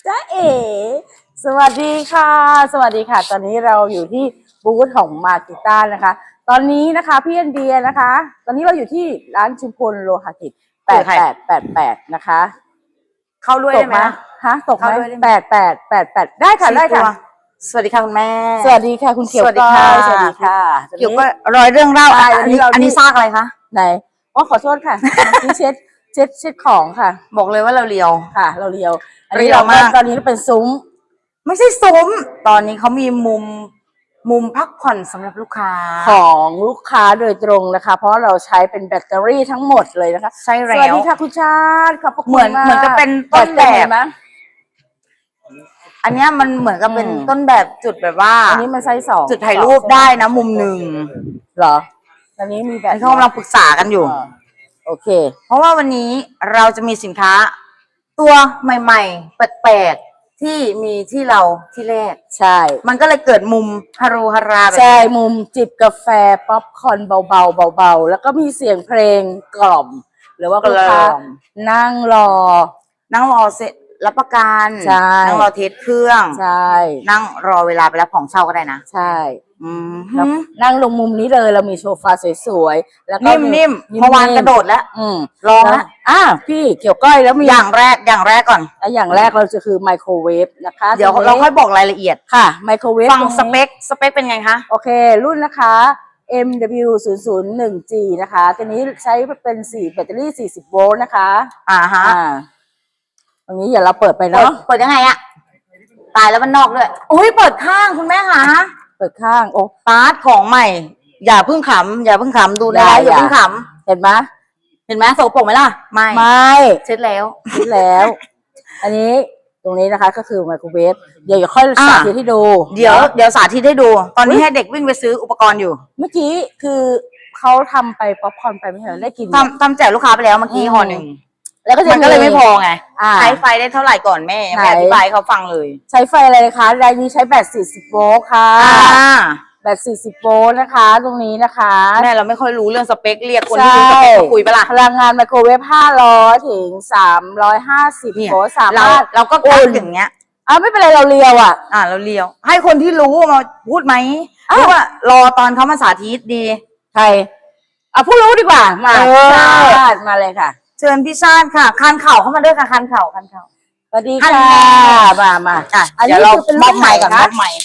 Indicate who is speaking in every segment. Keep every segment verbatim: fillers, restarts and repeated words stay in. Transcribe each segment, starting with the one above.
Speaker 1: จ้าเอ๋สวัสดีค่ะสวัสดีค่ะตอนนี้เราอยู่ที่บูธของมากิต้านะคะตอนนี้นะคะพี่อันเดียนะคะตอนนี้เราอยู่ที่ร้านชุมพลโลหะกิจแปดแปดแปดแปดนะคะ
Speaker 2: เข้าด้วยได้ไหม
Speaker 1: ฮะตกไหมแปดแปดแปดแปดได้ค่ะได้ค่ะ
Speaker 2: สวัสดีค่ะคุณแม่
Speaker 1: สวัสดีค่ะคุณเขียวก้อยสวัสดีค่ะ
Speaker 2: เกี่ยวก็รอยเรื่องเล่าอันนี้อันนี้ซากอะไรคะ
Speaker 1: ไหนอ๋อขอโทษค่ะที่เช็ดเช็ดเช็ดของค่ะ
Speaker 2: บอกเลยว่าเราเลียว
Speaker 1: ค่ะเราเลียวอันนี้เราตอนนี้เป็นซุ้ม
Speaker 2: ไม่ใช่ซุ้มตอนนี้เขามีมุมมุมพักผ่อนสำหรับลูกค้า
Speaker 1: ของลูกค้าโดยตรงนะคะเพราะเราใช้เป็นแบตเตอรี่ทั้งหมดเลยนะคะ
Speaker 2: ใช่แล้ว
Speaker 1: สวัสดีค่ะคุณชาติขอบคุณ
Speaker 2: เหมือนเหมือนกับเป็นต้นแบบอันนี้มันเหมือนกับเป็นต้นแบบจุดแบบว่า
Speaker 1: อันนี้มันไซส์สอง
Speaker 2: จุดถ่ายรูปได้นะมุมหนึ่ง
Speaker 1: เหรอตอนนี้มีแบบ
Speaker 2: เขากำลังปรึกษากันอยู่
Speaker 1: โอเค
Speaker 2: เพราะว่าวันนี้เราจะมีสินค้าตัวใหม่ๆแปลกๆที่มีที่เราที่แรก
Speaker 1: ใช่
Speaker 2: มันก็เลยเกิดมุมฮารุฮาราแบบ
Speaker 1: ใช่มุมจิบกาแฟป๊อปคอร์นเบาๆเบาๆแล้วก็มีเสียงเพลงกล่อมหรือว่าลูกค้านั่งรอ
Speaker 2: นั่งรอเสร็จรับประกันนั่งรอเทสเครื่อง
Speaker 1: ใช่
Speaker 2: นั่งรอเวลาไปรับของเช่าก็ได้นะ
Speaker 1: ใช่
Speaker 2: นั่
Speaker 1: งลงมุมนี้เลยเรามีโซฟาสวยๆแล้วก็
Speaker 2: นิ่มๆเมื่อวานกระโดดแล้วลองแล้ว
Speaker 1: อ่ะพี่เกี่ยวก้อยแล้วมี
Speaker 2: อย่างแรกอย่างแรกก่อน
Speaker 1: อย่างแรกเราจะคือไมโครเวฟนะคะ
Speaker 2: เดี๋ยวเราค่อยบอกรายละเอียด
Speaker 1: ค่ะไมโครเวฟ
Speaker 2: ฟังสเปคสเปคเป็นไงคะ
Speaker 1: โอเครุ่นนะคะ เอ็ม ดับเบิลยู ศูนย์ ศูนย์ หนึ่ง จี นะคะตัวนี้ใช้เป็นสี่แบตเตอรี่สี่สิบโวลต์นะคะ
Speaker 2: อ่าฮะ
Speaker 1: ตรงนี้อย่าเราเปิดไปเนาะ
Speaker 2: เปิดยังไงอะตายแล้วมันนอกด้วยโอ้ยเปิดข้างคุณแม่คะ
Speaker 1: เปิดข้างโอ้
Speaker 2: ปาร์ตของใหม่อย่าเพิ่งขำอย่าเพิ่งขำดูได้อย่าเพิ่งข
Speaker 1: ำเห็นไหม
Speaker 2: เห็นไหมโสโปรกไหมล่ะไม่
Speaker 1: ไม่
Speaker 2: เช็ดแล้ว
Speaker 1: เช็ดแล้ว อันนี้ตรงนี้นะคะก็คือไมโครเวฟเดี๋ยวค่อยสาธิตให้ดู
Speaker 2: เดี๋ยวเดี๋ยวสาธิตให้ดูตอนนี้ให้เด็กวิ่งไปซื้ออุปกรณ์อยู่
Speaker 1: เมื่อกี้คือเขาทำไปป๊อปคอร์นไปไม่ใช่ได้กิน
Speaker 2: ทำทำแจกลูกค้าไปแล้วเมื่อกี้ห่อหนึ่ง
Speaker 1: แล้วก็
Speaker 2: มันก็เลยไม่พอไงใช้ไฟได้เท่าไหร่ก่อนแม่ไม่อธิบายเขาฟังเลย
Speaker 1: ใช้ไฟอะไรคะรายนี้ใช้แบตสี่สิบโวลต์ค่ะแบตสี่สิบโวลต์นะคะตรงนี้นะคะ
Speaker 2: แม่เราไม่ค่อยรู้เรื่องสเปคเรียกคนที่รู้สเปคมาคุยไปละ
Speaker 1: พลังงานไมโครเวฟห้าร้อยถึงสามร้อยห้าสิบโวลต์สามารถ
Speaker 2: เราก็อุ่นอย่างเงี้ย
Speaker 1: อ่าไม่เป็นไรเราเลียวอ่ะ
Speaker 2: อ่าเราเลียวให้คนที่รู้มาพูดไหมหรือว่ารอตอนเขามาสาธิตดี
Speaker 1: ใครอ่ะผู้รู้ดีกว่ามาชาติมาเลยค่ะ
Speaker 2: เชิญพี่ชาติค่ะคันเข่าเข้ามาด้วยค่ะคันเข่าคันเข่า
Speaker 1: สวัสดีค่ะมามา
Speaker 2: อ่ะอันนี้เราเป็นรุ่นใหม่ก่อนรุ่นใหม่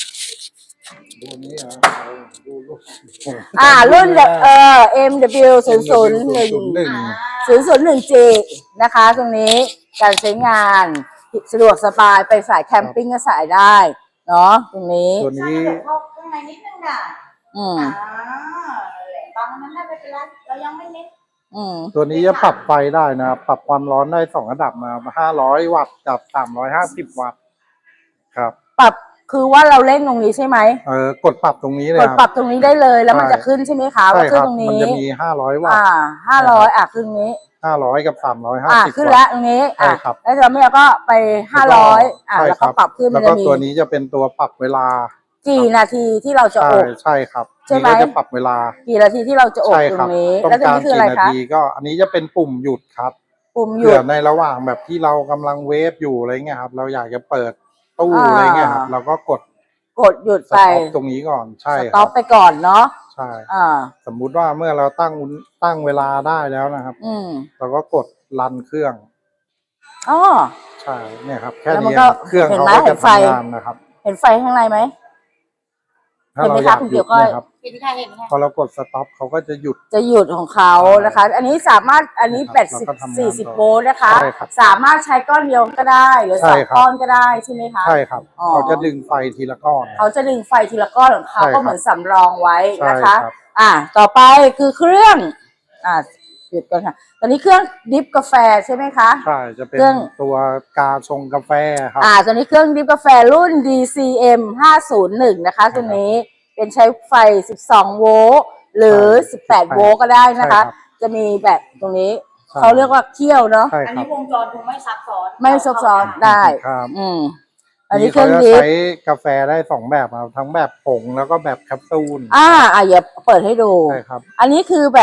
Speaker 1: อ่ารุ่นเอ่อ เอ็ม ดับเบิลยู ศูนย์ ศูนย์ หนึ่ง ศูนย์ ศูนย์ หนึ่ง จี นะคะตรงนี้การใช้งานสะดวกสบายไปสายแคมปิ้งก็สายได้เนาะตรงนี้
Speaker 2: ตัวนี้เข้าข้างในนิดนึงอ่ะ
Speaker 1: อืม
Speaker 2: ตอนนั้นได้ไปเป็นไรเรายังไม่เน้น
Speaker 3: ตัวนี้จะปรับไฟได้นะปรับความร้อนได้สองระดับนะห้าร้อยวัตต์กับสามร้อยห้าสิบวัตต์ครับ
Speaker 1: ปรับคือว่าเราเล่นตรงนี้ใช่ไหม
Speaker 3: เออกดปรับตรงนี้เลย
Speaker 1: กดปรับตรงนี้ได้เลยแล้วมันจะขึ้นใช่ไหมคะ
Speaker 3: ใช่ครับ
Speaker 1: ตรงนี้
Speaker 3: มันจะมีห้าร้อยวัตต์
Speaker 1: อ่าห้าร้อยอ่ะขึ้นนี้
Speaker 3: ห้าร้อยกับสามร้อยห้าสิบ
Speaker 1: ขึ้นแล้วตรงนี้อ่ะแล้วเราไม่เราก็ไปห้าร้อยอ่ะแล้วก็ปรับขึ้น
Speaker 3: แล้วก็ตัวนี้จะเป็นตัวปรับเวลา
Speaker 1: กี่นาทีที่เราจะอบ
Speaker 3: ใช่ครับ
Speaker 1: ใช่ไหม
Speaker 3: จะปรับเวลา
Speaker 1: กี่นาทีที่เราจะอบตรงนี้
Speaker 3: แล้วตรงนี้คืออะไรคะก็อันนี้จะเป็นปุ่มหยุดครับ
Speaker 1: ปุ่มหยุด
Speaker 3: ในระหว่างแบบที่เรากำลังเวฟอยู่อะไรเงี้ยครับเราอยากจะเปิดตู้อะไรเงี้ยครับเราก็กด
Speaker 1: กดหยุดไป
Speaker 3: ตรงนี้ก่อนใช่
Speaker 1: สต็อปไปก่อนเนาะ
Speaker 3: ใช่สมมุติว่าเมื่อเราตั้งตั้งเวลาได้แล้วนะครับ
Speaker 1: อืม
Speaker 3: เราก็กดรันเครื่อง
Speaker 1: อ๋อ
Speaker 3: ใช่เนี่ยครับแค่นี้เครื่องเขาก็จะทำงานนะครับ
Speaker 1: เห็นไฟข้างในไหม
Speaker 3: ถ้าเราอยากหยุดนะครับพอเรากดสต็อปเขาก็จะหยุด
Speaker 1: จะหยุดของเขานะคะอันนี้สามารถอันนี้แบตสี่สิบโวลต์นะคะสามารถใช้ก้อนเดียวก็ได้หรือสองก้อนก็ได้ใช่ไหมคะ
Speaker 3: ใช่ครับเขาจะดึงไฟทีละก้อน
Speaker 1: เขาจะดึงไฟทีละก้อนของเขาก็เหมือนสำรองไว้นะคะอ่าต่อไปคือเครื่องอ่าหยุดก่อนค่ะตอนนี้เครื่องดิฟกาแฟใช่ไหมคะ
Speaker 3: ใช่จะเป็นตัวกาชงกาแฟครับ
Speaker 1: อ่าตอนนี้เครื่องดิฟกาแฟรุ่น ดี ซี เอ็ม ห้าศูนย์หนึ่งนะคะตัวนี้เป็นใช้ไฟสิบสองโวลต์หรือสิบแปดโวลต์ก็ได้นะคะจะมีแบบตรงนี้เขาเรียกว่าเคี่ยวเนาะ
Speaker 2: อันนี้วงจรคงไม่ซับซ้อน
Speaker 1: ไม่ซับซ้อนได้อืม
Speaker 3: อันนี้เครื่องดิฟใช้กาแฟได้สองแบบทั้งแบบผงแล้วก็แบบแคปซูล
Speaker 1: อ่าอ่ะอย่าเปิดให้ดู
Speaker 3: ใช่ครับ
Speaker 1: อันนี้คือแบบ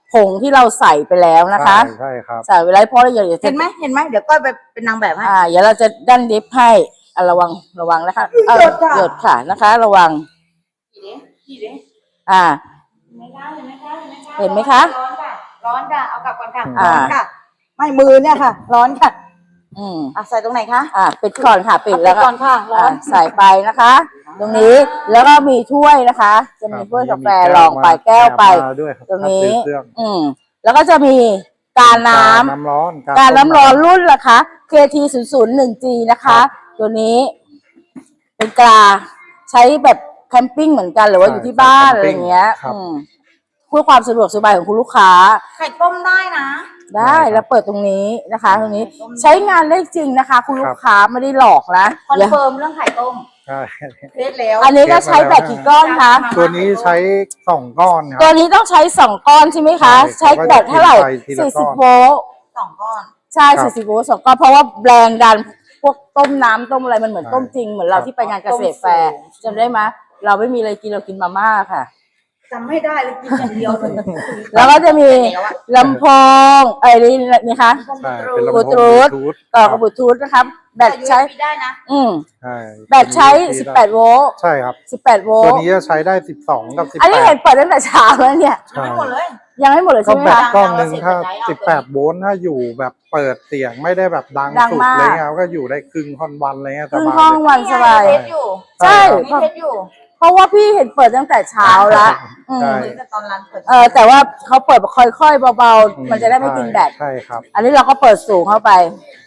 Speaker 1: ผงที่เราใส่ไปแล้วนะคะ
Speaker 3: ใช่ใช่ครับ
Speaker 1: ใส่ไปแล้วเพราะเราอยากจะ
Speaker 2: เห็นไหมเห็นไหมเดี๋ยวก้อยไปเป็นนางแบบให้
Speaker 1: อ่าเดี๋ยวเราจะดันดิฟให้อ่ะระวังระวังนะคะเอ่อ
Speaker 2: หยดค่ะ
Speaker 1: หยดค่ะนะคะ ระวัง
Speaker 2: กี่เด้กี่เด้
Speaker 1: อ่า
Speaker 2: ไม่ได้เห็นไหมคะ
Speaker 1: เห็นไหมคะ
Speaker 2: ร้อนค่ะร้อนค่ะเอากลับก่อนค่ะ
Speaker 1: อ่า
Speaker 2: ร้อนค่ะ ไม่มือเนี่ยค่ะ ร้อนค่ะ
Speaker 1: อืม
Speaker 2: อ่ะใส่ตรงไหนคะ
Speaker 1: อ่าปิดก่อนค่ะปิด
Speaker 2: เอา
Speaker 1: แล้ว
Speaker 2: ก่อนค่ะร้อ
Speaker 1: อ่าน ใส่ไปนะคะ ตรงนี้แล้วก็มีถ้วยนะคะ จะมีถ้วยกาแฟรองไปแก้วไป
Speaker 3: มาด้วยครับ
Speaker 1: ตรงนี้
Speaker 3: ถ้าซื้อเครื่อง
Speaker 1: อืมแล้วก็จะมีการน้ำ
Speaker 3: น้ำร้อน
Speaker 1: การน้ำร้อน
Speaker 3: ต้ม
Speaker 1: รุ่นราคา เค ที ศูนย์ ศูนย์ หนึ่ง จี นะคะ ตัวนี้เป็นกาใช้แบบแคมปิ้งเหมือนกันหรือว่าอยู่ที่บ้านอะไรอย่างเงี้ย
Speaker 3: ครับ
Speaker 1: อืมเพื่อความสะดวกสบายของคุณลูกค้า
Speaker 2: ไข่ต้มได้นะ
Speaker 1: ได้แล้วเปิดตรงนี้นะคะ ตรงนี้ใช้งานได้จริงนะคะ คุณลูกค้าไม่ได้หลอกนะ
Speaker 2: คอนเฟิร์มเรื่องไข่ต้ม
Speaker 3: ใช่
Speaker 2: เทสแล้ว
Speaker 1: อันนี้ก็ใช้แบบกี่ก้อนคะ
Speaker 3: ตัวนี้ใช้สองก้อนค
Speaker 1: ตั
Speaker 3: รั
Speaker 1: ว
Speaker 3: บ
Speaker 1: นี้ต้องใช้สองก้อนใช่ไหมคะ
Speaker 3: ใช่
Speaker 1: ใช้แบบเท่าไหร่
Speaker 3: เขาก็จะกินไปทีละ
Speaker 1: สี่
Speaker 3: ก้
Speaker 1: สิ
Speaker 3: อบ น
Speaker 1: โวลต์
Speaker 2: สองก้อน
Speaker 1: ใช่
Speaker 3: ครับ
Speaker 1: สี่สิบโวลต์สองก้อนเพราะว่าแรงดันพวกต้มน้ำต้มอะไรมันเหมือน
Speaker 3: ใช่
Speaker 1: ต้มจริงเหมือนเรา
Speaker 3: ครับ
Speaker 1: ที่ไปงานเกษตรแฟร์จำได้ไหมเราไม่มีอะไรกินเรากินมาม่าค่ะ
Speaker 2: จำไม่ได้เลยกินอย่างเดียวเลย
Speaker 1: แล้วก็จะมี
Speaker 2: แล้วอะ
Speaker 1: ลำโพงเอ้ยนี่นี่คะ
Speaker 3: ใช่เป็นลำ
Speaker 1: บลู
Speaker 3: โพง
Speaker 1: ทูธ
Speaker 3: บลูทูธ
Speaker 1: ต่อกับบลูทูธนะครับแบตใช้
Speaker 2: ยูเอสบีได้นะ
Speaker 1: อืม
Speaker 3: ใช่
Speaker 1: แบตใช้สิบแปดโวลต์
Speaker 3: ใช่ครับ
Speaker 1: สิบแปดโวล
Speaker 3: ตัว
Speaker 1: ต์
Speaker 3: นี้จะใช้ได้สิบสองกับสิบ
Speaker 1: อันนี้
Speaker 3: แป
Speaker 1: เห็
Speaker 3: ด
Speaker 1: นเปิดตั้งแต่เช้าแล้วเนี่ย
Speaker 2: ยังไม่หมดเลย
Speaker 1: ยังไม่หมดเลย
Speaker 3: ก็
Speaker 1: ใช่ไหม
Speaker 3: แบต
Speaker 1: คะ
Speaker 3: กล้องหนึ่งถ้า
Speaker 2: เอา
Speaker 3: สิบแปดโวลต์ถ้าอยู่แบบเปิดเสียงไม่ได้แบบดัง
Speaker 1: ดัง
Speaker 3: สุด
Speaker 1: มาก
Speaker 3: อะไรเงี้ยก็อยู่ได้ครึ่งค่อนวันอะไรเงี้ย
Speaker 1: ครึ่ง
Speaker 3: สบาย
Speaker 1: ห้อง
Speaker 3: เลย
Speaker 1: วันสบาย
Speaker 2: เทสอยู่
Speaker 1: ใช่
Speaker 2: มีเทสอยู่
Speaker 1: เพราะว่าพี่เห็นเปิดตั้งแต่เช้าละอืม
Speaker 3: ใช่
Speaker 2: เหมือนกับตอนร้านเปิด
Speaker 1: เออแต่ว่าเขาเปิดแบบค่อยๆเบา
Speaker 3: อื
Speaker 1: ๆ มันจะได้ไม่กินแบต
Speaker 3: ใช่ครับ
Speaker 1: อันนี้เราก็เปิดสูงเข้าไป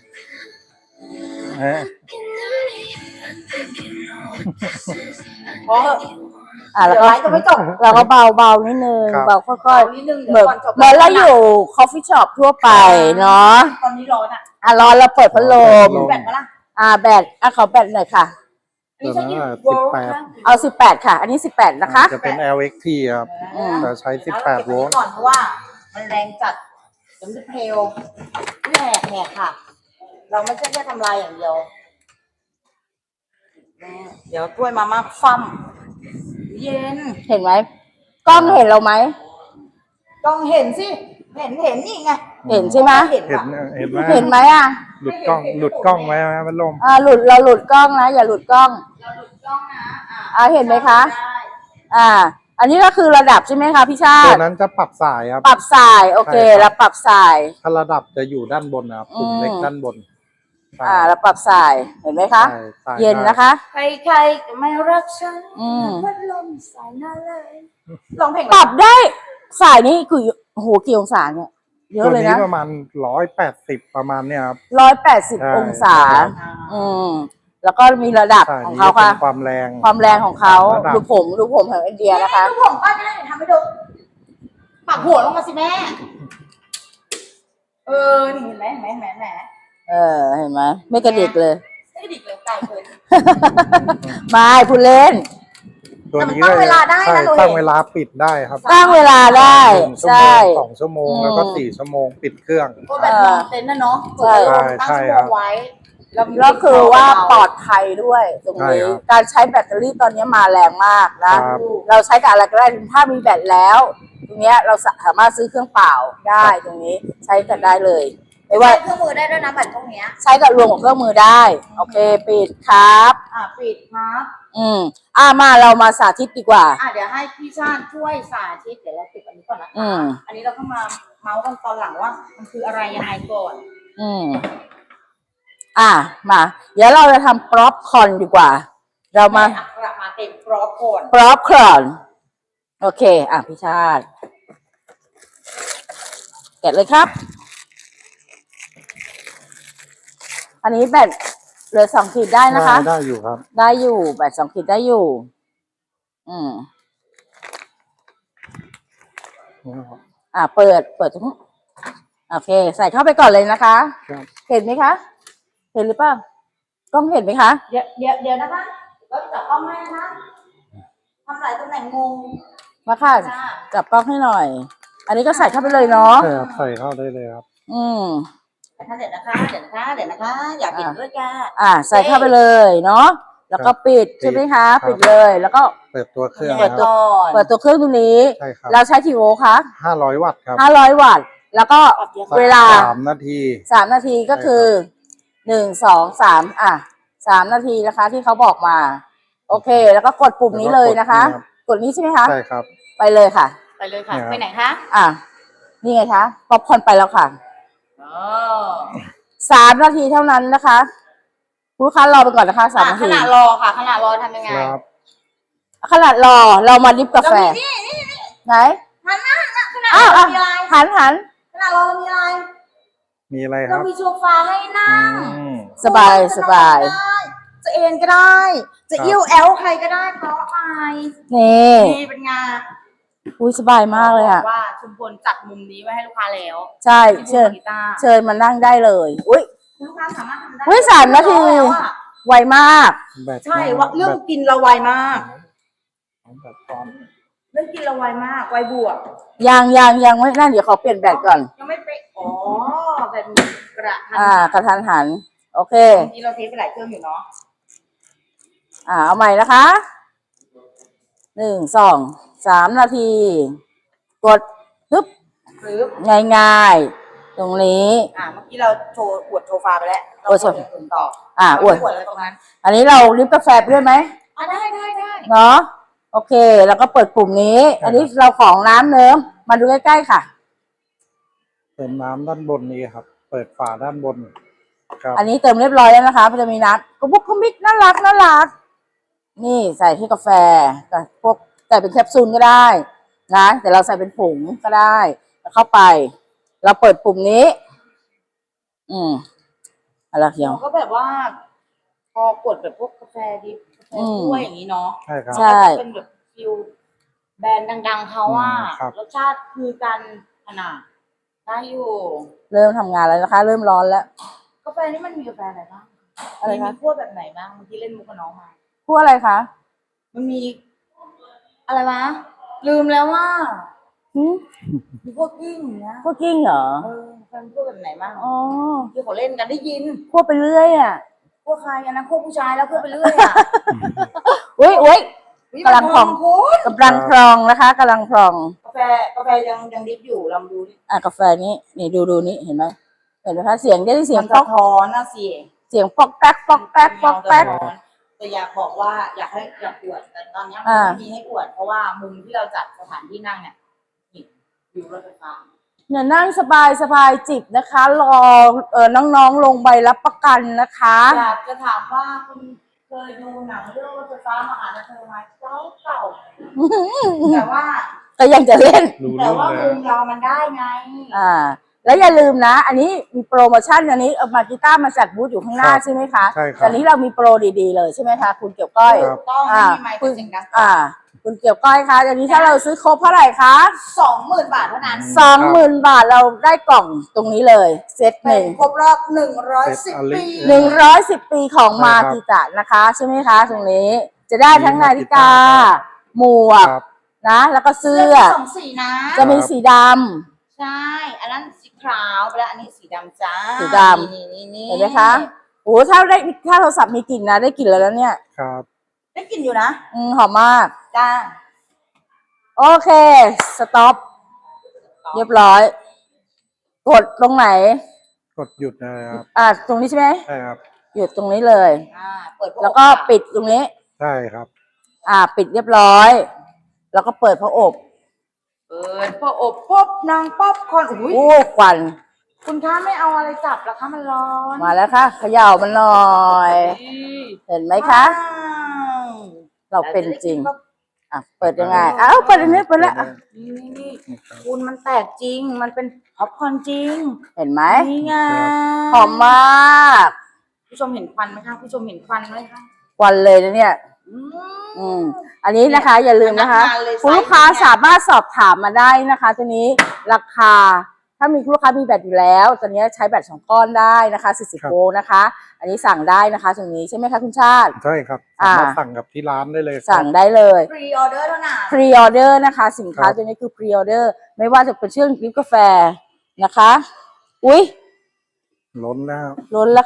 Speaker 3: เอ๊ะ
Speaker 2: เพราะ
Speaker 1: อ่ะแล้ว
Speaker 2: เดี๋ยว
Speaker 1: ก็
Speaker 2: ไลฟ์จะไม่จบ
Speaker 1: เราก็เบาเบาๆนิดนึง
Speaker 3: ครับ
Speaker 1: เบาค่อย
Speaker 2: เบานิดนึง
Speaker 1: ๆ
Speaker 2: เดี๋
Speaker 1: เหมื
Speaker 2: ย
Speaker 1: อน
Speaker 2: วก่อนจบ
Speaker 1: เหมือนเราอยู่คอฟฟี่ช็อปทั่วไปเนาะ
Speaker 2: ตอนนี้ร้อนอ่ะ
Speaker 1: อ่ะร้อนเราเปิดพัดลม
Speaker 2: มีแบตปะล่ะ
Speaker 1: อ่ะแบตอ่ะขอแบตหน่อยค่ะ
Speaker 2: อันนี้ใช้กี่
Speaker 3: ตัว
Speaker 2: โว
Speaker 3: นั้น
Speaker 2: ลต์
Speaker 3: สิบแปด
Speaker 2: คะ
Speaker 1: เอาสิบแปดค่ะ อันนี้สิบแปดนะคะ
Speaker 3: จะเป็น แอล เอ็กซ์ ที ครับ
Speaker 1: อืม
Speaker 3: แต่ใช้สิบแปดโวลต์
Speaker 2: ก่อนเพราะว่ามันแรงจัดเดี๋ยวมันจะเพลวแหกแหกค่ะ เราไม่ใช่แค่ทำลายอย่างเดียว เดี๋ยวถ้วยมาม่าฟั่มเย็น
Speaker 1: เห็นไหมกล้องเห็นเราไหม
Speaker 2: ต้องเห็นสิ เห็นเห็นนี่ไง
Speaker 1: เห็นใช่ไหม
Speaker 2: เห็น
Speaker 3: เห็น
Speaker 2: ว่ะ
Speaker 3: เห็นไหม
Speaker 1: เห็นไหมอ่ะ
Speaker 3: หลุดกล้องหลุดกล้องไว้ไหมมันลม
Speaker 1: อ่าหลุดเราหลุดกล้องนะ อย่าหลุดกล้อง
Speaker 2: เราหลุดกล้องนะอ่ะ
Speaker 1: อ่าเห็นไหมคะ
Speaker 2: ได้
Speaker 1: อ่า อันนี้ก็คือระดับใช่ไหมคะพี่ชา
Speaker 3: ตัว
Speaker 1: ติ
Speaker 3: นั้นจะปรับสายครับ
Speaker 1: ปรับสายโอเค
Speaker 3: ใช่ครับ
Speaker 1: เราปรับสาย
Speaker 3: ถ้าระดับจะอยู่ด้านบนนะครับปุ่มเล็ก
Speaker 1: อืม
Speaker 3: ด้านบนใช่
Speaker 1: อ่าเราปรับสายเห็นไหมคะ
Speaker 3: ใช่ใช่
Speaker 1: เย็นนะคะ
Speaker 2: ใครๆก็ไม่รักฉัน
Speaker 1: อืม
Speaker 2: พัดลมสายหน้าเลยร้องเพลง
Speaker 1: ปรับได้สายนี้คือโอ้โหกี่องศาเนี่ยเยอะ
Speaker 3: ตัว
Speaker 1: เลย
Speaker 3: นี้
Speaker 1: นะ
Speaker 3: ประมาณร้อยแปดสิบประมาณเนี้ยครับ
Speaker 1: ร้อยแปดสิบ
Speaker 3: ใช่
Speaker 1: องศา
Speaker 3: ใช่
Speaker 1: อืมแล้วก็มีระดับ
Speaker 3: ใช่
Speaker 1: ของ
Speaker 3: นี่
Speaker 1: เขา
Speaker 3: เป็
Speaker 1: ค่ะ
Speaker 3: นความแรง
Speaker 1: ความแรงของเขา
Speaker 3: ระดับ
Speaker 1: ดูผมดูผมของอินเดียนะคะ
Speaker 2: ดูผมป้าจะได้เดี๋ยวทำให้ดูปักหัวลงมาสิแม่ เออ นี่เห็นไหมเห็นไหมเห็นไหมเห็นไหม
Speaker 1: เออเห็นไหมไม่กระดิกเลย
Speaker 2: ไม่ดิกเลยไกลเกิน
Speaker 1: ไม่พูดเล่น
Speaker 3: ตัวนี้
Speaker 2: แต่มันตั้งเวลาได้นะ
Speaker 3: ใช่
Speaker 2: หนูเห็น
Speaker 3: ตั้งเวลาปิดได้ครับ
Speaker 1: ตั้งเวลาได้
Speaker 3: หนึ่งชั่ว
Speaker 1: ใช่
Speaker 3: โมงสองชั่วโมงแล้วก็สี่ชั่วโมงปิดเครื่อง
Speaker 2: โอ้แบบนอนเต็นท์นะเนาะ
Speaker 1: ใช่
Speaker 2: ตั้ง
Speaker 3: ใช่
Speaker 2: ชั่ว
Speaker 3: ครั
Speaker 2: โม
Speaker 3: บ
Speaker 2: งไว้แล้วมี
Speaker 1: แล้วคือว่าปลอดภัยด้วยตรง
Speaker 3: ใช่
Speaker 1: นี้
Speaker 3: ครับ
Speaker 1: การใช้แบตเตอรี่ตอนนี้มาแรงมากนะ
Speaker 3: ครับ
Speaker 1: เราใช้กับอะไรก็ได้ถ้ามีแบตแล้ว ตรงเนี้ยเราสามารถซื้อเครื่องเปล่าได้ตรงนี้ใช้กันได้เลยไม่
Speaker 2: ว่า
Speaker 1: ว่า
Speaker 2: เครื่องมือได้ด้วยนะแบบพวกเนี้ย
Speaker 1: ใช้กับรวมกับเครื่องมือได้โอเคปิดครับ
Speaker 2: อ่ะปิดครับ
Speaker 1: อืมอ่ามาเรามาสาธิตดีกว่า
Speaker 2: อ่ะเดี๋ยวให้พี่ชาติช่วยสาธิตเดี๋ยวเราปิดอันนี้ก่อนนะ
Speaker 1: อื
Speaker 2: คะ
Speaker 1: ม
Speaker 2: อันนี้เราก็มาเมาส์กันตอนหลังว่ามันคืออะไรยังไงก่อน
Speaker 1: อืมอ่ามา เดี๋ยวเราจะทำป๊อปคอร์นดีกว่า เรามา
Speaker 2: แอักระมาเต็มกรอบก่อน
Speaker 1: ป๊อปคอร์นโอเค อ่ะพี่ชาติแกะเลยครับ อันนี้แบตเหลือสองขีดได้นะคะ
Speaker 3: ได้ได้อยู่ครับ
Speaker 1: ได้อยู่แบตสองขีดได้อยู่ อืม อ่าเปิดเปิดตรงนี้โอเค ใส่เข้าไปก่อนเลยนะคะ
Speaker 3: ครับ
Speaker 1: เห็นไหมคะ เห็นหรือเปล่ากล้องเห็นไหมคะ
Speaker 2: เดี๋ยวเดี๋ยวเดี๋ยวนะคะเราจะจับกล้องให้นะคะทำหลายตำแหน่งงง
Speaker 1: มาค่ะ
Speaker 2: จ้า
Speaker 1: จับกล้องให้หน่อย อันนี้ก็ใส่เข้าไปเลยเนาะ
Speaker 3: ใช่ครับใส่เข้าได้เลยครับ
Speaker 1: อืม
Speaker 2: เดี๋ยวนะคะเดี๋ยวนะคะเดี๋ยวนะคะเดี๋ยวนะคะ อยากเห็นด้วยจ้า
Speaker 1: อ่า ใส่เข้าไปเลยเนาะแล้วก็ปิดใช่ไหมคะ
Speaker 3: ครับ
Speaker 1: ปิดเลย แล้วก็
Speaker 3: เปิดตัวเครื่อง
Speaker 1: เปิด
Speaker 3: นะค
Speaker 1: ตัว
Speaker 3: รับ
Speaker 1: เปิดตัวเครื่องตรงนี้
Speaker 3: ใช่ครับ
Speaker 1: เราใช้กี่โวลต์คะ
Speaker 3: ห้าร้อยวัตต์ครับ
Speaker 1: ห้าร้อยวัตต์ แล้วก็เวลา
Speaker 3: สามนาที
Speaker 1: สามนาทีก็คือหนึ่งสองสามอ่ะสามนาทีนะคะ ที่เขาบอกมา โอเค แล้วก็กดปุ่มนี้เลยนะคะ กดนี้ใช่ไหมคะ
Speaker 3: ใช่ครับ
Speaker 1: ไปเลยค่ะ
Speaker 2: ไปเลยค่ะ
Speaker 3: เนี่ยครับ
Speaker 2: ไปไหนคะ
Speaker 1: อ่ะนี่ไงคะป๊อปคอร์นไปแล้วค่ะ
Speaker 2: อ๋อ
Speaker 1: สามนาทีเท่านั้นนะคะคุณลูกค้ารอไปก่อนนะคะสาม
Speaker 2: อ่ะ
Speaker 1: นา
Speaker 2: ข
Speaker 1: ที
Speaker 2: ณะรอค่ะขณะรอทำยังไง
Speaker 3: ครับ
Speaker 1: ขนาดรอเรามาดิฟกาแฟ
Speaker 2: เรามีนี่นี่นี่
Speaker 1: ไหน
Speaker 2: หันหน้าขณะ
Speaker 1: อ้าว
Speaker 2: รอ
Speaker 1: อ่ะ
Speaker 2: มีอะไร
Speaker 1: หันหัน
Speaker 2: ขณะรอเรามีอะไร
Speaker 3: มีอะไรค
Speaker 2: เรา
Speaker 3: รับ
Speaker 2: มีโซฟาให้นั่ง
Speaker 3: อืม
Speaker 1: สบายสบาย
Speaker 2: จะเอนก็ได้ จะ
Speaker 3: ครับ
Speaker 2: เอี้ยวแอลใครก็ได้เพราะอะไร
Speaker 1: นี่
Speaker 2: นี่เป็นไงาน
Speaker 1: อุ้ยสบายมากเลยอ่ะ
Speaker 2: ว่าชุมพลจัดมุมนี้ไว้ให้ลูกค้าแล้ว
Speaker 1: ใช่
Speaker 2: ที่
Speaker 1: เชิญ
Speaker 2: บูธกีตาร์
Speaker 1: เชิญมานั่งได้เลย อุ้ย
Speaker 2: คุณลูกค้าสามารถทำได้
Speaker 1: เฮ้ยสามนาที
Speaker 2: แล้วอะ
Speaker 1: ไวมาก
Speaker 3: แบต
Speaker 2: ใช่ว่าเรื่องกินเราไวมาก
Speaker 3: แบตตอน
Speaker 2: เรื่องกินเราไวมากไวบวก
Speaker 1: ยังยังยังไม่นั่นเดี๋ยวขอเปลี่ยนแบตก่อน
Speaker 2: ยังไม่ไปะอ๋อแบบนี้กระทัน
Speaker 1: อ่ากระทันหัน โอเค
Speaker 2: เมื่อกี้เราเทสไปหลายเครื่องอยู่เนาะ
Speaker 1: อ่าเอาใหม่นะคะ หนึ่งสองสามนาที กดปึ๊บ
Speaker 2: หรือ
Speaker 1: ง่ายๆ ตรงนี้
Speaker 2: อ่าเมื่อกี้เราโชว์อวดโชฟาไปแล้วเรา
Speaker 1: อวดโช
Speaker 2: อวดอย่างอื่นต่อ
Speaker 1: อ่าอวด
Speaker 2: เรไม่อวดอะไรตรงนั้น
Speaker 1: อันนี้เราลิฟต์กาแฟไปด้วยไหม
Speaker 2: อ่ะได้ได้ได้
Speaker 1: เนาะโอเค แล้วก็เปิดปุ่มนี้ อันนี้เราของน้ำเนิ้มมาดูใกล้ๆค่ะ
Speaker 3: เติมน้ำด้านบนนี้ครับ เปิดฝาด้านบน ครับ
Speaker 1: อันนี้เติมเรียบร้อยแล้วนะคะมันจะมีน้ำกระบุกกระมิกน่ารักน่ารัก นี่ใส่ที่กาแฟกับพวกใส่เป็นแคปซูลก็ได้นะแต่เราใส่เป็นผงก็ได้แล้วเข้าไป เราเปิดปุ่มนี้ อืมอะไรเขียว
Speaker 2: เราก็แบบว่า พอกดแบบพวกกาแฟดิบกาแฟ
Speaker 1: อืม
Speaker 2: ถ้วยอย่างนี้เนาะ
Speaker 3: ใช่ครับ
Speaker 1: ใช่
Speaker 2: มันก็จะเป็นแบบฟิลแบรนด์ดังๆเขาว่า
Speaker 3: อืมครับ
Speaker 2: รสชาติคือกันขนาดได้อยู่
Speaker 1: เริ่มทำงานแล้วนะคะ เริ่มร้อนแล้ว
Speaker 2: กาแฟนี่มันมีกาแฟอะไรบ้าง
Speaker 1: อะไรคะ
Speaker 2: มีขั้วแบบไหนบ้างเมื่อกี้เล่นมุกกับน้องมา
Speaker 1: พูดอะไรคะ
Speaker 2: มันมี อะไรวะ ลืมแล้วว่า
Speaker 1: หืม
Speaker 2: มีพวกกิ้งอย่างเนี้ย
Speaker 1: พวกกิ้งเหรอ
Speaker 2: เออเป็นพวกแบบไหนบ้าง
Speaker 1: อ๋อ
Speaker 2: ที่เขาเล่นกันได้ยิน
Speaker 1: พวกไปเรื่อยอ่ะ
Speaker 2: พวกใครอันนั้นพวกผู้ชายแล้วพวกไปเรื่อยอ่ะ
Speaker 1: อุ้ยอุ้ย
Speaker 2: อุ๊ย
Speaker 1: กำลังพอง
Speaker 2: มันคุณ
Speaker 1: กำลังพรองนะคะกำลังพรอง
Speaker 2: กาแฟกาแฟยังยังดิบอยู่ลองดูดิ
Speaker 1: อ่ะกาแฟนี้นี่ดูดูนี่เห็นไหมเห็นไหมคะเสียงได้เสียง
Speaker 2: มัน
Speaker 1: ป๊
Speaker 2: สะ
Speaker 1: อก
Speaker 2: ท้อนนะสิ
Speaker 1: เสียงปอกแป๊กปอกแป๊กปอกแป๊ก
Speaker 2: แต่อยากบอกว่าอยากให้อยากอวดแต่ตอนนี้มัน
Speaker 1: อ่า
Speaker 2: ไม่มีให้อวดเพราะว่ามุมที่เราจัดสถานที่นั่งเนี่ยนี่วิวรถไฟฟ้า
Speaker 1: เนี่ยนั่งสบายสบายจิบนะคะ รอเออน้องๆลงใบรับประกันนะคะ
Speaker 2: อยากจะถามว่าคุณเคยดูหนังเรื่องรถไฟฟ้ามหานครไหมเก่าเก่าแต่ว่า
Speaker 1: ก็ยังจะเล่น
Speaker 3: รู้
Speaker 2: แต่
Speaker 3: เรื่อง
Speaker 2: ว่า
Speaker 3: เล
Speaker 2: มุ
Speaker 3: ย
Speaker 2: มเรามันได้ไง
Speaker 1: อ่า แล้วอย่าลืมนะ อันนี้มีโปรโมชั่นอันนี้เอามากีต้าร์มาจัดบูธอยู่ข้างหน้า
Speaker 3: ครับ
Speaker 1: ใช่ไหมคะ
Speaker 3: ใช่ครับ
Speaker 1: แต่อันนี้เรามีโปรดีๆเลยใช่ไหมคะคุณเกี่ยวก้อย
Speaker 3: ครับ
Speaker 2: ต้อง
Speaker 1: อ่า
Speaker 2: ไม่มีไมค์เป็นเสียงดัง
Speaker 1: อ่า คุณเกี่ยวก้อยคะอันนี้ถ้าเราซื้อครบเท่าไหร่คะ
Speaker 2: สองหมื่นบาทเท่านั้น
Speaker 1: สองหมื่นบาทเราได้กล่องตรงนี้เลยเซตห
Speaker 2: เป็
Speaker 1: นึ่
Speaker 2: น
Speaker 1: ง
Speaker 2: ครบรอบหนึ่งร้อยสิบ
Speaker 3: เซตอลิ
Speaker 2: ปี
Speaker 1: หนึ่งร้อยสิบปีของ
Speaker 3: ใช่
Speaker 1: มา
Speaker 3: ครับ
Speaker 1: กิตะนะคะใช่ไหมคะตรงนี้จะได้ทั้ง
Speaker 3: มี
Speaker 1: นา
Speaker 3: มากิ
Speaker 1: ฬิ
Speaker 3: ตะ
Speaker 1: กา หมวก
Speaker 3: ครับ
Speaker 1: นะ แล้วก็เสื้
Speaker 2: เสื้
Speaker 1: อ
Speaker 2: อมีสองสีนะ
Speaker 1: จะมีสีด
Speaker 2: ใช่ อันนั้นสีขาวไปแล้วอันนี้สีดำจ้า
Speaker 1: สีดำ
Speaker 2: นี่นี่นี่
Speaker 1: ำเห็นไหมคะโอ้ถ้าได้ถ้าโทรศัพท์มีกลิ่นนะได้กลิ่นแล้วเนี่ย
Speaker 3: ครับ
Speaker 2: ได้กลินอยู่นะ
Speaker 1: อืมหอมมาก
Speaker 2: จ้า
Speaker 1: โอเค สต็อป เรียบร้อย กดตรงไหน
Speaker 3: กดหยุดนะครับ
Speaker 1: อ่า ตรงนี้ใช่ไหม
Speaker 3: ใช่ครับ
Speaker 1: หยุดตรงนี้เลย
Speaker 2: อ่า เปิดพ
Speaker 1: แล้วก็ปิดตรงนี้
Speaker 3: ใช่ครับ
Speaker 1: อ่า ปิดเรียบร้อย แล้วก็เปิดพระอบ
Speaker 2: เปิดพออบป๊บนางป๊อปคอร์นอุ้ย
Speaker 1: โอ้ควัน
Speaker 2: คุณคะไม่เอาอะไรจับเหรอคะมันร้อน
Speaker 1: มาแล้วค่ะเขย่ามันหน่อย เห็นไหมคะ
Speaker 2: ว้าว
Speaker 1: เราเป็นจริง
Speaker 2: แล้วจะได้กิน
Speaker 1: อ่ะ เปิดยังไง อ้าว เปิดอันนี้เปิดแล้วอ่ะ
Speaker 2: นี่นี่นี่คุณมันแตกจริง มันเป็นป๊อปคอร์นจริง
Speaker 1: เห็นไหม
Speaker 2: นี่ไง
Speaker 1: หอมมาก
Speaker 2: ผู้ชมเห็นควันไหมคะผู้ชมเห็นควันไหมคะ
Speaker 1: ควันเลยนะเนี่ย
Speaker 2: อืม
Speaker 1: อืม อันนี้นะคะ อย่าลืมนะคะ
Speaker 2: พนักงานเลย
Speaker 1: คุณลูกค้า
Speaker 2: ไซส์เนี่ย
Speaker 1: สามารถสอบถามมาได้นะคะตัวนี้ราคา ถ้ามีลูกค้ามีแบตอยู่แล้วตัวนี้ใช้แบตสองก้อนได้นะคะสี่สิบ
Speaker 3: ครับ
Speaker 1: โวลต์นะคะ อันนี้สั่งได้นะคะตรงนี้ใช่ไหมคะคุณชาติ
Speaker 3: ใช่ครับ
Speaker 1: อ่า
Speaker 3: สามารถสั่งกับที่ร้านได้เลยครับ
Speaker 1: สั่งได้เลย
Speaker 2: พรีออเดอร์เท่านั้น
Speaker 1: พรีออเดอร์นะคะ สินค้า
Speaker 3: ครับ
Speaker 1: ตัวนี้คือพรีออเดอร์ไม่ว่าจะเป็นเครื่องดริปกาแฟนะคะ อุ๊ย
Speaker 3: ล้นแล้ว
Speaker 1: ล้นแล้วค่ะ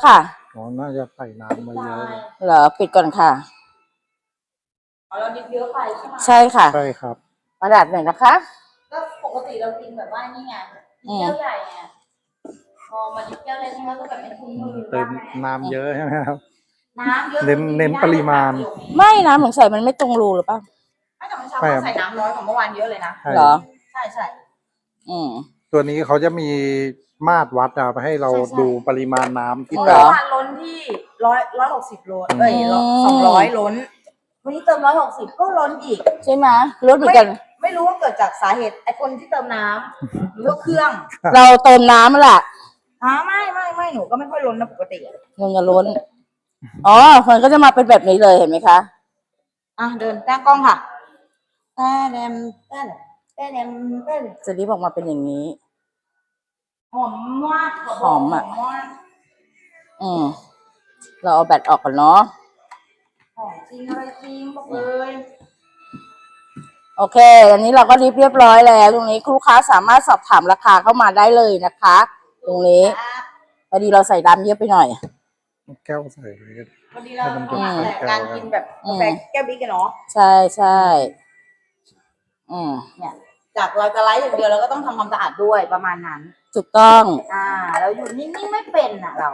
Speaker 3: อ๋อน่าจะใส่น้ำมาเยอะเลย
Speaker 1: เหรอปิดก่อนค่ะ
Speaker 2: อ๋อเราดิบเยอะไปใช่ไหม
Speaker 1: ใช่ค่ะ
Speaker 3: ใช่ครับ
Speaker 1: กระดาษหน่อยนะคะ
Speaker 2: ก็ปกติเรากินแบบว่านี่ไงดิบแก้วใหญ่ไงพอมาดิบแก้วเล็กเราก็แบบเป็นถุงมือ
Speaker 3: เติมน้ำเยอะใช่ไหมครับ
Speaker 2: น้ำเยอะ
Speaker 3: เน้นเน้นปริมาณ
Speaker 1: ไม่นะผมใส่มันไม่ตรงรูหรือเปล่า
Speaker 2: ไม่แต่เมื่อเช้าเขาใส่น้ำน้อยกว่าเมื่อวานเยอะเลยนะ
Speaker 3: ใช่
Speaker 1: เหรอ
Speaker 2: ใช่ใช่
Speaker 1: อืม
Speaker 3: ตัวนี้เขาจะมีมาตรวัดอะให้เรา
Speaker 2: ใช่ใช่
Speaker 3: ดูปริมาณน้ำที่
Speaker 1: เหร
Speaker 3: เติ
Speaker 1: อ
Speaker 3: ม
Speaker 2: เมื่อวานล้นที่ร้อยร้อยหกสิบโลเอ้ยสองร้อยล้น วันนี้เติมร้อยหกสิบก็ล้นอีก
Speaker 1: ใช่ไหมรถเหมือน
Speaker 2: ไม่
Speaker 1: กัน
Speaker 2: ไม่รู้ว่าเกิดจากสาเหตุไอ้คนที่เติมน้ำหรือว่าเครื่อง
Speaker 1: เราเติมน้ำแหละ
Speaker 2: อ๋อไม่ไม่ไม่หนูก็ไม่ค่อยล้นนะปกติอะ
Speaker 1: เงินจะล้น อ๋อมันก็จะมาเป็นแบบนี้เลยเห็นไหมคะ
Speaker 2: อ่ะเดินแต้กล้องค่ะแต้แดมแต้แดมแต้แดมแต้แดม
Speaker 1: จะรีบออกมาเป็นอย่างนี้
Speaker 2: หอมมากขบก
Speaker 1: หอมอะ
Speaker 2: มาก
Speaker 1: อืมเราเอาแบตออกก่อนเนาะ
Speaker 2: หอมจริงอะไรจริงบอกเลย
Speaker 1: โอเค อันนี้เราก็รีบเรียบร้อยแล้ว ตรงนี้ลูกค้าสามารถสอบถามราคาเข้ามาได้เลยนะคะ ตรงนี้
Speaker 2: ครับ
Speaker 1: พอดีเราใส่ดำเยอะไปหน่อย
Speaker 3: แก้วใส่เลยก็ได้
Speaker 2: วันนี้เรา
Speaker 3: ให้มัน
Speaker 2: ถนัด
Speaker 3: เป็น
Speaker 2: แต่การกินแบบ
Speaker 1: อื
Speaker 2: กาม แฟแก้วบิ๊กกันเนาะ
Speaker 1: ใช่ใช่อืม
Speaker 2: เนี่ยจากเราจะไลฟ์อย่างเดียวเราก็ต้องทำความสะอาดด้วยประมาณนั้น
Speaker 1: ถูกต้อง
Speaker 2: อ่าเราอยู่นิ่งๆไม่เป็นอ่ะเรา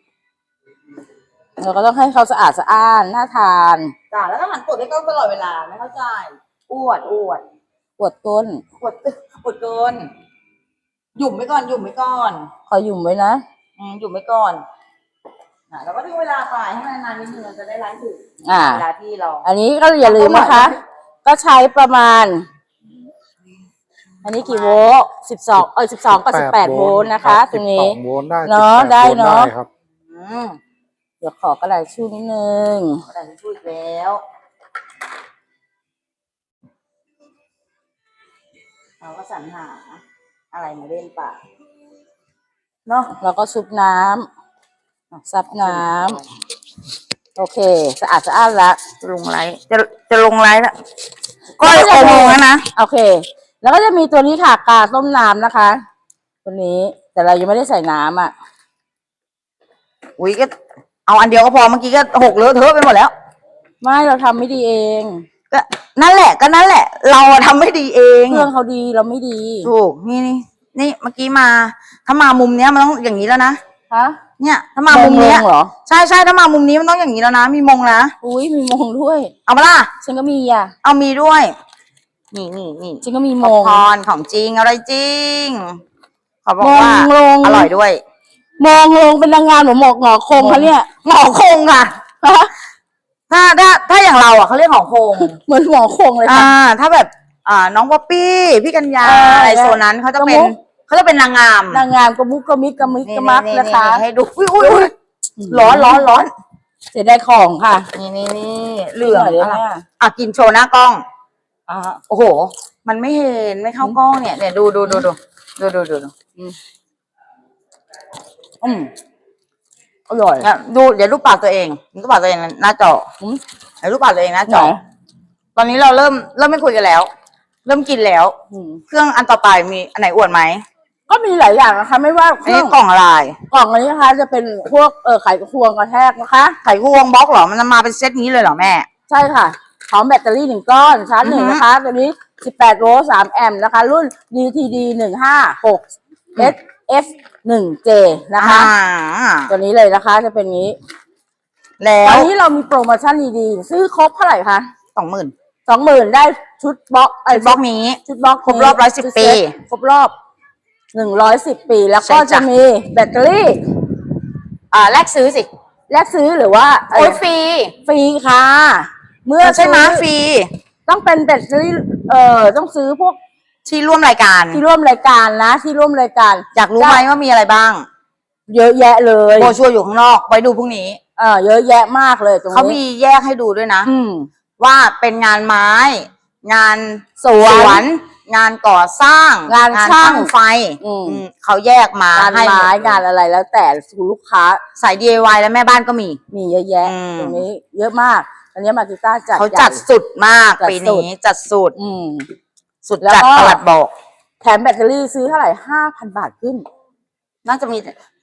Speaker 1: เราก็ต้องให้เขาสะอาดสะอ้านน่าทาน
Speaker 2: จ้าแล้วก็หันกดให้กล้องตลอดเวลาไม่เข้าใจอ้วดอ้วด
Speaker 1: ปวดก้น
Speaker 2: กดกดเกินหยุ่มไว้ก่อนหยุ่มไว้ก่อน
Speaker 1: ขอหยุ่มไว้นะ
Speaker 2: อืมหยุ่มไว้ก่อนอ่ะเราก็ดูเวลาไปให้มันนานนิดนึงเราจะได้ไลฟ์ถึง
Speaker 1: อ่า
Speaker 2: เวลาที่เรา
Speaker 1: อันนี้ก็อย่าลืมนะคะ ก็ใช้ประมาณ อันนี้กี่โวลต์สิบสองเออสิบสองกับสิบแปดโวลต์นะคะ ตรงนี้
Speaker 3: สิบสองโวลต์ได้
Speaker 1: เนอะ
Speaker 3: สิบแป
Speaker 1: ได้
Speaker 3: โวลต์
Speaker 1: เนอะ
Speaker 3: ครับ
Speaker 2: อืม
Speaker 1: เดี๋ยวขอกระดาษชู่นิดนึง
Speaker 2: แต่พูดอีกแล้วเราก็สรรหาอะไรมาเล่นป่ะ
Speaker 1: เนาะเราก็ซุปน้ำซับน้ำโอเค สะอาดสะอ้านละ
Speaker 2: ลงไลฟ์จะจะลงไลฟ์ละก็โอโมงแล้วนะ
Speaker 1: โอเค แล้วก็จะมีตัวนี้ค่ะกาต้มน้ำนะคะ ตัวนี้แต่เรายังไม่ได้ใส่น้ำอ่ะ
Speaker 2: อุ้ยก็เอาอันเดียวก็พอเมื่อกี้ก็หกเลอะเทอะไปหมดแล้ว
Speaker 1: ไม่เราทำไม่ดีเอง
Speaker 2: ก็นั่นแหละก็นั่นแหละ เราอะทำไม่ดีเอง
Speaker 1: เครื่องเขาดีเราไม่ดี
Speaker 2: ถูกนี่นี่นี่เมื่อกี้มา ถ้ามามุมเนี้ยมันต้องอย่างนี้แล้วนะ
Speaker 1: ฮะ
Speaker 2: เนี่ยถ้ามามุมเนี้ย
Speaker 1: งเหรอ
Speaker 2: ใช่ใช่ถ้ามามุมนี้มันต้องอย่างนี้แล้วนะมีมงนะ
Speaker 1: อุ้ยมีมงด้วย
Speaker 2: เอามาล่ะ
Speaker 1: ฉันก็มีอ่ะ
Speaker 2: เอามีด้วย นี่นี่นี่
Speaker 1: ฉันก็มี
Speaker 2: ม
Speaker 1: มง
Speaker 2: พรของจริงอะไรจริงขอบอก
Speaker 1: มง
Speaker 2: ว่า
Speaker 1: ลง
Speaker 2: อร่อยด้วย
Speaker 1: มงลงเป็นนางงามหรือหมอกหงอคงคะเนี่ย
Speaker 2: หมอคงค่ะ
Speaker 1: ฮะ
Speaker 2: ถ้าถ้าถ้าอย่างเราอ่ะเขาเรียกหมอคง
Speaker 1: เหมือนหมอคงเลย
Speaker 2: อ่า
Speaker 1: ค่ะ
Speaker 2: ถ้าแบบ อ่า น้องป๊อปปี้ พี่กัญญา
Speaker 1: เอออ
Speaker 2: อะไรโซนนั้นเขาจะเป็น
Speaker 1: กระมุก
Speaker 2: เขาจะเป็นนางงาม
Speaker 1: นางงามกระมุกกระมิกกระมิกกระมักนะคะ
Speaker 2: ให้ดูอุ้ยอุ้ยอุ้ยร้อนร้อนร้อน
Speaker 1: เสียดายของค่ะ
Speaker 2: นี่นี่นี่เหลือง
Speaker 1: หน่อยได้
Speaker 2: อะ
Speaker 1: ไหม
Speaker 2: ไร
Speaker 1: อ่ะ
Speaker 2: อ่ะกินโชว์หน้ากล้อง
Speaker 1: อ่า
Speaker 2: โอ้โห มันไม่เห็นไม่เข้ากล้องเนี่ยเนี่ยดูดูดูดูดูดูดูดู
Speaker 1: อืมอร่อย
Speaker 2: เนี่ยดูเดี๋ยวรูปปากตัวเองรูปปากตัวเองหน้าจอ
Speaker 1: อืม
Speaker 2: เดี๋ยวรูปปากตัวเองหน้าจ
Speaker 1: ไหน
Speaker 2: อ ตอนนี้เราเริ่มเริ่มไม่คุยกันแล้ว เริ่มกินแล้ว
Speaker 1: อืม
Speaker 2: เครื่องอันต่อไปมีอันไหนอวดไหม
Speaker 1: ก็มีหลายอย่างนะคะ ไม่ว่าเค
Speaker 2: อัน
Speaker 1: รื่
Speaker 2: นี้
Speaker 1: อง
Speaker 2: กล่องอะไร
Speaker 1: กล่องอันนี้นะคะ จะเป็นพวกเออไขควงกระแทกนะคะ
Speaker 2: ไข่ควงบล็อกเหรอมันจะมาเป็นเซตนี้เลยเหรอแม่
Speaker 1: ใช่ค่ะพร้อมแบตเตอรี่หนึ่งก้อนชาร์จหนึ่ง
Speaker 2: อือฮึ
Speaker 1: นะคะ ตัวนี้สิบแปดโวลต์สามแอมป์นะคะ รุ่น ดี ที ดี หนึ่งห้าหก เอส เอฟ หนึ่ง เจ นะคะ
Speaker 2: อ่า
Speaker 1: ตัวนี้เลยนะคะ จะเป็นนี้
Speaker 2: แล้
Speaker 1: ตอ
Speaker 2: วน
Speaker 1: นี้เรามีโปรโมชั่นดีๆ ซื้อครบเท่าไหร่คะ
Speaker 2: สองหมื่น
Speaker 1: สองหมื่นได้ชุดบล็อกไอ้
Speaker 2: บล็อกนี้
Speaker 1: ชุดบล็อก
Speaker 2: ครบรอบร้อยสิบ
Speaker 1: ชุดเซ็ต
Speaker 2: ปี
Speaker 1: ครบรอบหนึ่งร้อยสิบปี แล้วก็
Speaker 2: ใช่จ้ะ
Speaker 1: จะมีแบตเตอรี่
Speaker 2: อ่าแลกซื้อสิ
Speaker 1: แลกซื้อหรือว่า
Speaker 2: โอ้ยฟรี
Speaker 1: ฟรีค่ะ เมื่อ
Speaker 2: ใช่ไหม
Speaker 1: ซื้อ
Speaker 2: ฟรี
Speaker 1: ต้องเป็นแบตเตอรี่เอ่อต้องซื้อพวก
Speaker 2: ที่ร่วมรายการ
Speaker 1: ที่ร่วมรายการนะ ที่ร่วมรายการ
Speaker 2: อยากรู้ไหมว่ามีอะไรบ้าง
Speaker 1: เยอะแยะเลย
Speaker 2: โบชัวร์อยู่ข้างนอกไว้ดูพรุ่งนี้
Speaker 1: เออเยอะแยะมากเลยตรงนี้
Speaker 2: เขามีแยกให้ดูด้วยนะ
Speaker 1: อืม
Speaker 2: ว่าเป็นงานไม้ งาน
Speaker 1: สวน
Speaker 2: งานก่อสร้าง
Speaker 1: งานช่าง
Speaker 2: ไฟ
Speaker 1: อืม
Speaker 2: อืมเขาแยกมาง
Speaker 1: าน
Speaker 2: ให้หม
Speaker 1: ไม้
Speaker 2: ด
Speaker 1: งานอะไรแล้วแต่ลูกค้า
Speaker 2: สาย ดี ไอ วาย และแม่บ้านก็มี
Speaker 1: มีเยอะแยะ
Speaker 2: อืม
Speaker 1: ตรงนี้ เยอะมาก อันนี้มาติต้าจัด
Speaker 2: เขา
Speaker 1: ใหญ่
Speaker 2: จัดสุดมาก
Speaker 1: จัด
Speaker 2: ปี
Speaker 1: สุด
Speaker 2: นี้จัดสุด
Speaker 1: อืม
Speaker 2: สุด
Speaker 1: แล้ว
Speaker 2: จัด
Speaker 1: ก็
Speaker 2: ประหลัดบอก
Speaker 1: แถมแบตเตอรี่ซื้อเท่าไหร่ห้าพันบาทขึ้น
Speaker 2: น่าจะมี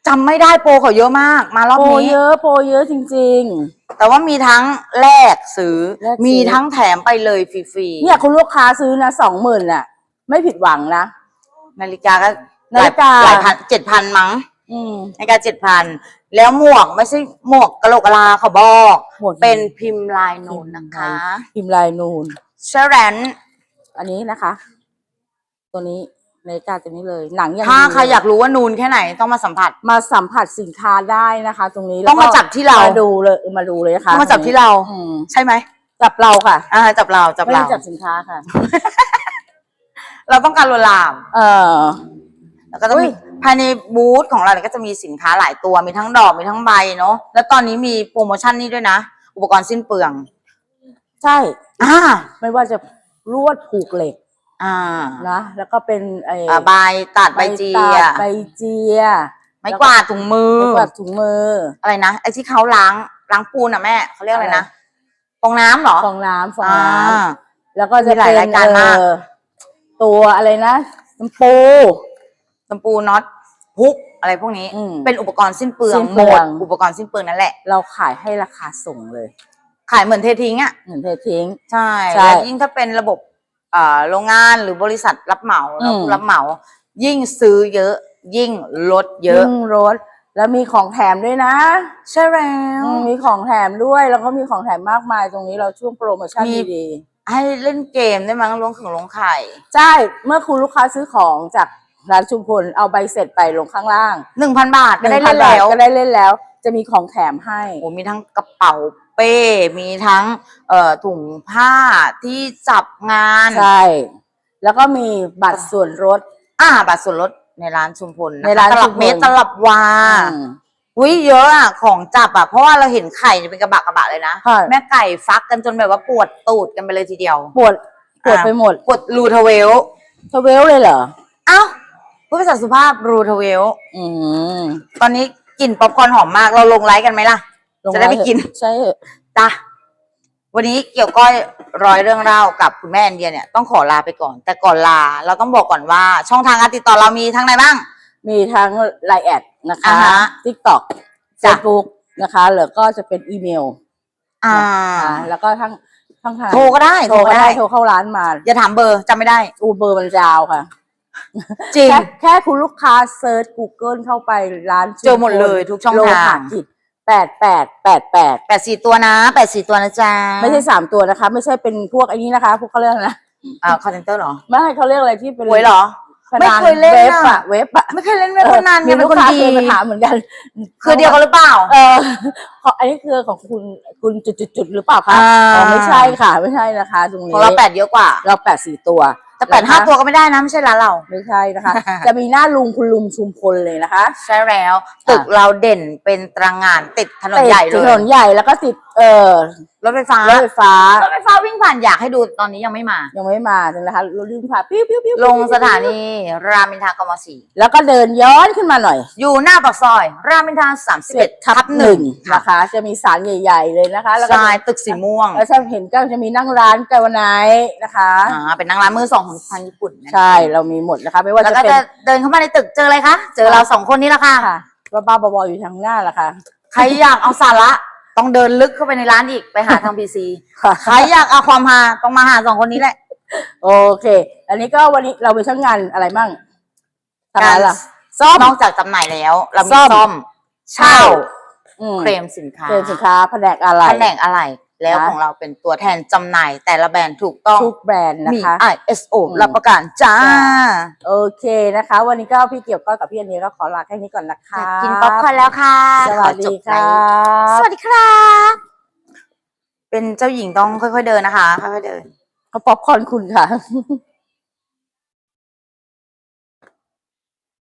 Speaker 2: จำไม่ได้โปรเขาเยอะมาก มารอบ
Speaker 1: โปร
Speaker 2: นี้
Speaker 1: เยอะโปรเยอะจริง
Speaker 2: แต่ว่ามีทั้งแลกซื้อ
Speaker 1: แลกซื้อ
Speaker 2: มีทั้งแถมไปเลยฟรี
Speaker 1: ๆ เนี่ยคุณลูกค้าซื้อนะสองหมื่นน่ะ ไม่ผิดหวังนะ
Speaker 2: ๆนาฬิกาก็
Speaker 1: นาฬิกา
Speaker 2: หลายพันเจ็ดพันมั้ง
Speaker 1: อืม
Speaker 2: นาฬิกาเจ็ดพันแล้วหมวกไม่ใช่หมวกกะโหลกกะลาเขาบอก
Speaker 1: หมวก
Speaker 2: เป็นพิมพ์ลายนูนนะคะ
Speaker 1: พิมพ์ลายนูน
Speaker 2: เชแรน
Speaker 1: อันนี้นะคะ ตัวนี้นาฬิกาตัวนี้เลย หนังอย่าง
Speaker 2: ถ้า
Speaker 1: ดี
Speaker 2: ใครอยากรู้ว่านูนแค่ไหนต้องมาสัมผัส
Speaker 1: มาสัมผัสสินค้าได้นะคะ ตรงนี้
Speaker 2: ต้องมา
Speaker 1: แล้วก็
Speaker 2: จับที่เรา
Speaker 1: มาดูเลยมาดูเลยนะคะ
Speaker 2: ต้องมาจับที่เรา
Speaker 1: อืม
Speaker 2: ใช่ไหม
Speaker 1: จับเราค่ะ
Speaker 2: อ่าจับเราจับ
Speaker 1: ไม่
Speaker 2: เรา
Speaker 1: ได้จับสินค้าค่ะ
Speaker 2: เราต้องการลวนลาม
Speaker 1: เออ
Speaker 2: แล้วก็จะ
Speaker 1: อุ๊
Speaker 2: มี
Speaker 1: ย
Speaker 2: ภายในบูธของเราเนี่ยก็จะมีสินค้าหลายตัวมีทั้งดอกมีทั้งใบเนาะแล้วตอนนี้มีโปรโมชั่นนี้ด้วยนะ อุปกรณ์สิ้นเปลือง
Speaker 1: ใช่
Speaker 2: อ่า
Speaker 1: ไม่ว่าจะลวดผูกเหล็ก
Speaker 2: อ่า
Speaker 1: นะแล้วก็เป็นไอ้
Speaker 2: อ่าใบตัดใบเจี
Speaker 1: ตั
Speaker 2: ย
Speaker 1: ดใบเจีย
Speaker 2: ไม้กวาดถุงมือ
Speaker 1: ไม้กวาดถุงมือ
Speaker 2: อะไรนะไอ้ที่เขาล้างล้างปูนอ่ะแม่เขาเรียกอะไรนะฟองน้ำเหรอ
Speaker 1: ฟองน้ำฟอง
Speaker 2: อ่า
Speaker 1: น้ำแล้วก็จะ
Speaker 2: มีหลาย
Speaker 1: เป็น
Speaker 2: รายการมาก
Speaker 1: เอ่อตัวอะไรนะน้ำปู
Speaker 2: ตำปูน็อตพุกอะไรพวกนี้
Speaker 1: อืม
Speaker 2: เป็นอุปกรณ์สิ้นเปลือง
Speaker 1: สิ้น
Speaker 2: ห
Speaker 1: เปลื
Speaker 2: ม
Speaker 1: อ
Speaker 2: ด
Speaker 1: ง
Speaker 2: อุปกรณ์สิ้นเปลืองนั่นแหละ
Speaker 1: เราขายให้ราคาส่งเลย
Speaker 2: ขายเหมือนเททิ้งอ่ะ
Speaker 1: เหมือนเททิ้ง
Speaker 2: ใช่
Speaker 1: ใช่
Speaker 2: แล้วยิ่งถ้าเป็นระบบอ่าโรงงานหรือบริษัทรับเหมาแล้ว
Speaker 1: อืม
Speaker 2: ผู้รับเหมา ยิ่งซื้อเยอะ ยิ่งลดเยอะ
Speaker 1: ยิ่งรถแล้วมีของแถมด้วยนะ
Speaker 2: ใช่แล้ว
Speaker 1: อืมมีของแถมด้วย แล้วก็มีของแถมมากมายตรงนี้เราช่วงโปรโมชั่น
Speaker 2: มี
Speaker 1: ดี
Speaker 2: ให้เล่นเกมได้มั้งลงขึงลงไข่
Speaker 1: ๆใช่เมื่อคุณลูกค้าซื้อของจากร้านชุมพลเอาใบเสร็จไปลงข้างล่าง
Speaker 2: หนึ่งพันบาทก็ได้
Speaker 1: หนึ่
Speaker 2: เล่
Speaker 1: ง
Speaker 2: น
Speaker 1: พับาท
Speaker 2: แล้ว
Speaker 1: ก็ได้เล่นแล้ว จะมีของแถมให้
Speaker 2: โอ้มีทั้งกระเป๋าเป้ มีทั้งเอ่อถุงผ้าที่จับงาน
Speaker 1: ใช่ แล้วก็มีบัตรส่วนลด
Speaker 2: อ่าบัตรส่วนลดในร้านชุมพละคะ
Speaker 1: ในร้าน
Speaker 2: ตลับ
Speaker 1: ชุมพล
Speaker 2: เมตรตลับวา
Speaker 1: อืม
Speaker 2: อุ้ยเยอะอ่ะของจับอ่ะเพราะว่าเราเห็นไข่เนี่ยเป็นกระบะกระบะเลยนะ
Speaker 1: ค่ะ
Speaker 2: แม่ไก่ฟักกันจนแบบว่าปวดตูดกันไปเลยทีเดียว
Speaker 1: ปวดปวด
Speaker 2: อ่า
Speaker 1: ไปหมด
Speaker 2: ปวดรูทเวล
Speaker 1: ทเวลเลยเหรอ
Speaker 2: เอ้าพูดภาษาสุภาพรูทเวล
Speaker 1: อืม
Speaker 2: ตอนนี้กลิ่นป๊อปคอร์นหอมมากเราลงไลฟ์กันไหมล่ะ
Speaker 1: ลง
Speaker 2: จะได้ไปกิน
Speaker 1: ใช่เหอะ
Speaker 2: จ้ะวันนี้เกี่ยวก้อยร้อยเรื่องเล่ากับคุณแม่แอนเดียเนี่ยต้องขอลาไปก่อน แต่ก่อนลาเราต้องบอกก่อนว่า ช่องทางการติดต่อเรามีทั้งไหนบ้าง
Speaker 1: มีทั้งไลน์แอดนะคะ
Speaker 2: อ่าฮะ
Speaker 1: ทิกตอกเฟ
Speaker 2: จ้ะ
Speaker 1: ซบุ๊กนะคะหรือก็จะเป็นอีเมล
Speaker 2: อ่า
Speaker 1: นะคะแล้วก็ทั้งทั้งทาง
Speaker 2: โทรก็ได้
Speaker 1: โทรก็ได้โทรเข้าร้านมา
Speaker 2: อย่าถามเบอร์จำไม่ได้
Speaker 1: อูเบอร์มันยาวค่ะ
Speaker 2: จริง
Speaker 1: แค่แค่คุณลูกค้าเซิร์ช Google เข้าไปร้าน
Speaker 2: เจอหมดเลยทุกช่องทาง
Speaker 1: โลหะกิจแปดแปดแปดแปด
Speaker 2: แปดสี่ตัวนะแปดสี่ตัวนะจ๊ะ
Speaker 1: ไม่ใช่สามตัวนะคะ ไม่ใช่เป็นพวกไอ้นี้นะคะ พวกเขาเรียกอะไรนะ
Speaker 2: อ่าคอนเทนเตอร์เหรอ
Speaker 1: ไม่ให้เขาเรียกอะไรที่เป็น
Speaker 2: หวยเหรอ
Speaker 1: พนัน
Speaker 2: ไม่เคยเล่น
Speaker 1: เว็บ
Speaker 2: อะ
Speaker 1: อะเว็บอะ
Speaker 2: ไม่เคยเล่นเว็บพนัน
Speaker 1: มี
Speaker 2: เนี่ยเป็
Speaker 1: ลู
Speaker 2: น
Speaker 1: ก
Speaker 2: คน
Speaker 1: ค้า
Speaker 2: ดี
Speaker 1: เคยมาถามเหมือนกัน
Speaker 2: คือเดียวกันหรือเปล่า
Speaker 1: เออของอันนี้คือของคุณคุณจุดๆๆหรือเปล่าคะ
Speaker 2: อ่า
Speaker 1: อ๋อไม่ใช่ค่ะ ไม่ใช่นะคะ ตรงนี้
Speaker 2: ของเราแปดเยอะกว่า
Speaker 1: เราแปดสี่ตัว
Speaker 2: แต่แปดห้า
Speaker 1: นะคะ
Speaker 2: ตัวก็ไม่ได้นะไม่ใช่ร้านเรา
Speaker 1: ไม่ใช่นะคะ จะมีหน้าลุงคุณลุงชุมพลเลยนะคะ
Speaker 2: ใช่แล้วตึกเราเด่นเป็นตารางงานติดถนนใหญ่เล
Speaker 1: ติดถ
Speaker 2: ย
Speaker 1: นนใหญ่แล้วก็ติดเอ่อ
Speaker 2: รถไฟฟ้าร
Speaker 1: ถไฟฟ้าร
Speaker 2: ถไฟฟ้าวิ่งผ่านอยากให้ดูตอนนี้ยังไม่มา
Speaker 1: ยังไม่มาถึงนะคะรถลื่นผ่านปิ้วปิ้วปิ้ว
Speaker 2: ลงสถานีรามอินทรากมสี่
Speaker 1: แล้วก็เดินย้อนขึ้นมาหน่อย
Speaker 2: อยู่หน้าปากซอย รามอินทราสามสิบเอ็ด
Speaker 1: ทั
Speaker 2: ทั
Speaker 1: บบ ห
Speaker 2: ห
Speaker 1: นึ่
Speaker 2: นึ่
Speaker 1: ง
Speaker 2: งค่ะ
Speaker 1: นะคะ จะมีสารใหญ่ ๆ เลยนะคะ แล้วก็
Speaker 2: ใช่ตึกสีม่วง
Speaker 1: แล้วถ้าเห็นก็จะมีนั่งร้านไกวไนท์นะคะ
Speaker 2: อ่าเป็นนางร้านมือสองของทางญี่ปุ่นนะ
Speaker 1: ใช่เรามีหมดนะคะ ไม่ว่า
Speaker 2: แล้ว
Speaker 1: จะ
Speaker 2: ก็
Speaker 1: เป็น
Speaker 2: จะเดินเข้ามาในตึกเจออะไรคะเจอเราสองคนนี้ละค่ะ
Speaker 1: ค่ะบ้าๆบอๆอยู่ทางหน้าละค่ะ
Speaker 2: ใครอยากเอาสาระต้องเดินลึกเข้าไปในร้านอีกไปหาทางพีซี
Speaker 1: ค่ะ
Speaker 2: ใครอยากเอาความฮาต้องมาหาสองคนนี้แหละ
Speaker 1: โอเค อันนี้ก็วันนี้เราไปช่างงานอะไรมั่งทำ
Speaker 2: กา
Speaker 1: อะไร
Speaker 2: ร
Speaker 1: ล่ะซ่อม
Speaker 2: นอกจากจำหน่ายแล้ว เรามี
Speaker 1: ซ่อม
Speaker 2: ซ่อมเช่า
Speaker 1: อืม
Speaker 2: เคลมสินค้า
Speaker 1: เคลมสินค้าแผนกอะไร
Speaker 2: แผนกอะไรแล้ว
Speaker 1: นะ
Speaker 2: ของเราเป็นตัวแทนจำหน่ายแต่ละแบรนด์ถูกต้อง
Speaker 1: ทุกแบรนด์นะ
Speaker 2: มี
Speaker 1: คะ
Speaker 2: ไอ เอส โอ
Speaker 1: อืม
Speaker 2: รับประกันจ้า
Speaker 1: จ้า โอเคนะคะ วันนี้ก็พี่เกี่ยวก้อยกับพี่อันนี้ก็ขอลาแค่นี้ก่อนนะคะ
Speaker 2: กินป๊อปคอร์นแล้วค่ะ
Speaker 1: สวัสดี
Speaker 2: ขอจบไล
Speaker 1: ค่ะ
Speaker 2: ฟ์สวัสดีครับ เป็นเจ้าหญิงต้องค่อยๆเดินนะคะ ค่อยๆเดิน
Speaker 1: เขาป๊อปคอร์นคุณค่ะ